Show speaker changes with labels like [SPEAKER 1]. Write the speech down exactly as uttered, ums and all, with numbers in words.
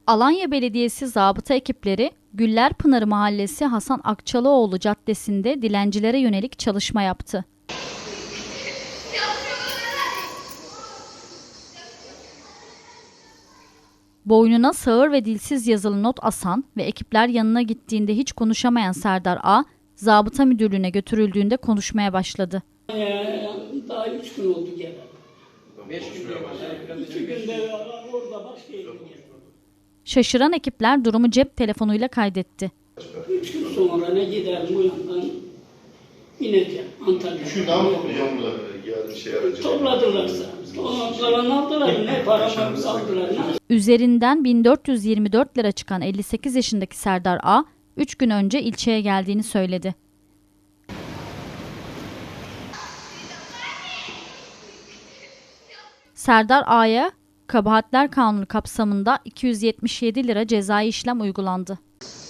[SPEAKER 1] Alanya Belediyesi zabıta ekipleri Güllerpınarı Mahallesi Hasan Akçalıoğlu Caddesi'nde dilencilere yönelik çalışma yaptı. Boynuna sağır ve dilsiz yazılı not asan ve ekipler yanına gittiğinde hiç konuşamayan Serdar A, zabıta müdürlüğüne götürüldüğünde konuşmaya başladı.
[SPEAKER 2] Ee, daha üç gün oldu gelen. Beş gün İki günde orada başka yere geldi.
[SPEAKER 1] Şaşıran ekipler durumu cep telefonuyla kaydetti.
[SPEAKER 2] Üç gün sonra ne giderim bu yandan ineceğim Antalya'ya.
[SPEAKER 3] Şu ne yapacağım burada geldi şey aracı.
[SPEAKER 2] Topladılarsa. Ona kalan aldılar. Ne paramı aldılar. Ne?
[SPEAKER 1] Üzerinden bin dört yüz yirmi dört lira çıkan elli sekiz yaşındaki Serdar A, üç gün önce ilçeye geldiğini söyledi. Serdar A'ya Kabahatler Kanunu kapsamında iki yüz yetmiş yedi lira cezai işlem uygulandı.